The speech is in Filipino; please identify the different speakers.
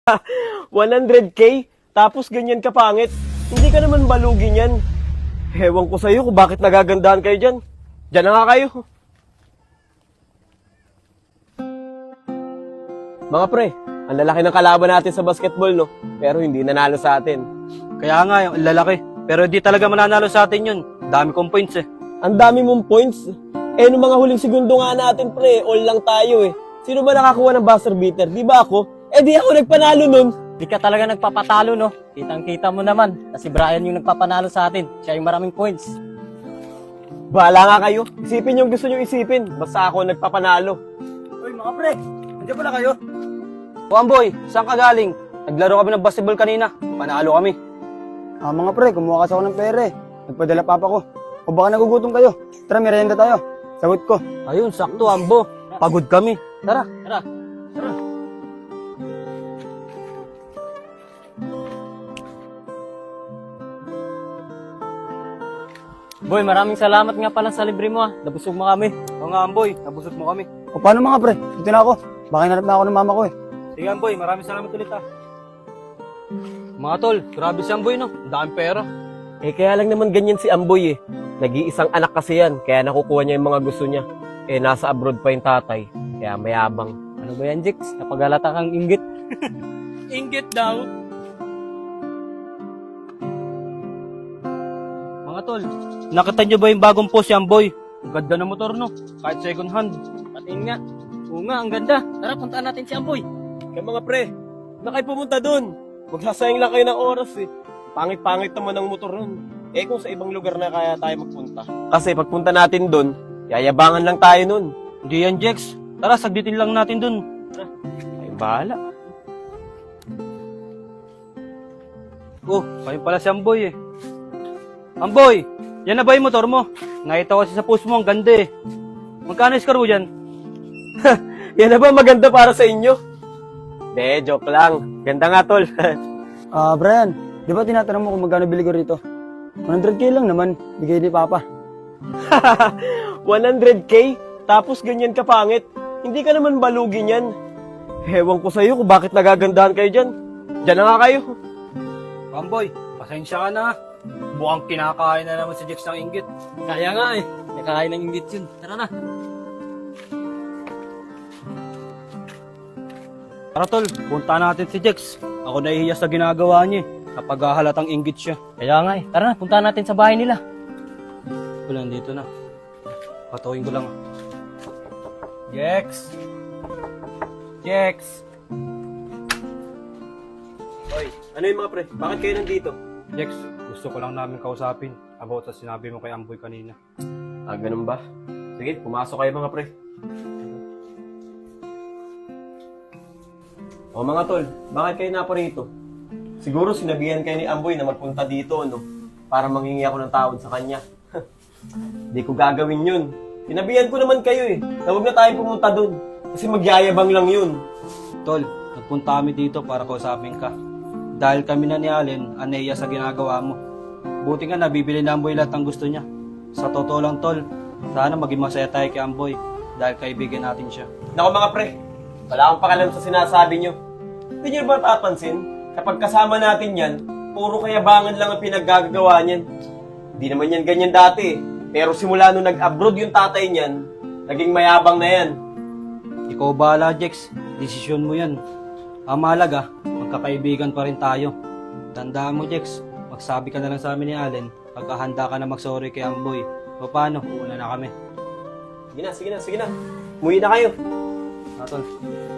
Speaker 1: 100K? Tapos ganyan ka pangit? Hindi ka naman balugin yan. Hewan ko sa'yo kung bakit nagagandahan kayo dyan. Dyan na nga kayo. Mga pre, ang lalaki ng kalaban natin sa basketball, no? Pero hindi nanalo sa atin.
Speaker 2: Kaya nga, yung lalaki. Pero di talaga mananalo sa atin yun. Dami kong points eh.
Speaker 1: Ang dami mong points. Eh, nung mga huling segundo nga natin, pre, all lang tayo eh. Sino ba nakakuha ng buzzer beater? Di ba ako? Eh, di ako nagpanalo nun.
Speaker 3: Di ka talaga nagpapatalo, no? Kitang-kita mo naman na si Brian yung nagpapanalo sa atin. Siya yung maraming points.
Speaker 1: Bahala nga kayo. Isipin yung gusto nyo isipin. Basta ako nagpapanalo.
Speaker 2: Uy, mga pre. Nandiyan pala kayo? O Amboy, saan ka galing? Naglaro kami ng basketball kanina. Panalo kami.
Speaker 4: Mga pre, kumuha kasi ako ng pera eh. Nagpadala papa ko. O baka nagugutom kayo. Tara, merienda tayo. Sagot ko.
Speaker 2: Ayun, sakto Ambo. Pagod kami. Tara.
Speaker 3: Tara. Boy, maraming salamat nga pala sa libre mo, ah. Nabusog mo kami.
Speaker 2: O nga Amboy, nabusog mo kami.
Speaker 4: O paano mga pre? Dito na ako. Baka hinarap na ako ng mama ko eh.
Speaker 2: Sige Amboy, maraming salamat ulit ah. Mga tol, grabe si Amboy no. Ang daming pera.
Speaker 1: Eh, kaya lang naman ganyan si Amboy eh. Nag-iisang anak kasi yan, kaya nakukuha niya yung mga gusto niya. Eh, nasa abroad pa yung tatay, kaya mayabang.
Speaker 3: Ano ba yan, Jix? Napagalata kang inggit.
Speaker 2: Inggit daw. Mga tol, nakita nyo ba yung bagong post si Amboy? Ang ganda ng motor no, kahit second hand.
Speaker 3: Patingin nga. Oo nga, ang ganda. Tara, puntaan natin si Amboy.
Speaker 1: Kaya mga pre, na kayo pumunta dun. Magsasayang lang kayo ng oras eh. Pangit-pangit naman ang motor nun. Eh kung sa ibang lugar na kaya tayo magpunta. Kasi pagpunta natin dun, yayabangan lang tayo nun.
Speaker 2: Hindi yan Jex, tara sagditin lang natin dun.
Speaker 1: Ay, bahala.
Speaker 2: Oh, kayo pala si Amboy eh. Amboy, yan na ba yung motor mo? Nakita ko kasi sa post mo, ang ganda eh. Magkano score mo dyan?
Speaker 1: Yan na ba maganda para sa inyo? De, joke lang. Ganda nga, tol.
Speaker 4: Brian, di ba tinatanong mo kung magkano bili ko rito? 100K lang naman. Bigay ni papa.
Speaker 1: 100K? Tapos ganyan ka pangit? Hindi ka naman balugin yan. Hewan ko sa'yo kung bakit nagagandahan kayo dyan. Dyan na nga kayo.
Speaker 2: Amboy, pasensya ka na. Mukhang kinakain na naman si Jex ng inggit.
Speaker 3: Kaya nga eh. Nakakain ng inggit yun. Tara na.
Speaker 2: Tara tol, punta natin si Jex. Ako nahihiya sa ginagawa niya eh. Kapag halatang inggit siya.
Speaker 3: Kaya nga eh. Tara na, puntaan natin sa bahay nila.
Speaker 2: Wala, dito na. Patuhin ko lang. Jex! Jex!
Speaker 1: Oy, ano yung mga pre? Bakit kayo nandito?
Speaker 2: Jex, gusto ko lang namin kausapin about sa sinabi mo kay Amboy kanina.
Speaker 1: Ah, ganun ba? Sige, pumasok kayo mga pre. O mga tol, bakit kayo naparito? Siguro sinabihan kayo ni Amboy na magpunta dito, no? Para manghingi ako ng tawad sa kanya. Di ko gagawin yun. Sinabihan ko naman kayo eh, na huwag na tayo pumunta dun. Kasi magyayabang lang yun.
Speaker 2: Tol, nagpunta kami dito para kausapin ka. Dahil kami na ni Allen, aneya sa ginagawa mo. Buti nga nabibili na Amboy lahat ng gusto niya. Sa totoo lang tol, sana maging masaya tayo kay Amboy dahil kaibigan natin siya.
Speaker 1: Nako mga pre, wala akong pakalam sa sinasabi nyo. Hindi nyo ba tapansin? Kapag kasama natin yan, puro kayabangan lang ang pinaggagawa niyan. Hindi naman yan ganyan dati eh. Pero simula nung nag-abroad yung tatay niyan, naging mayabang na yan.
Speaker 2: Ikaw bahala, Jex. Desisyon mo yan. Ang mahalaga, magkakaibigan pa rin tayo. Tandaan mo, Jex. Magsabi ka na lang sa amin ni Allen pagkahanda ka na mag-sorry kay Amboy. O paano? Uuna na kami.
Speaker 1: Sige na. Muwi na kayo.
Speaker 2: Tol.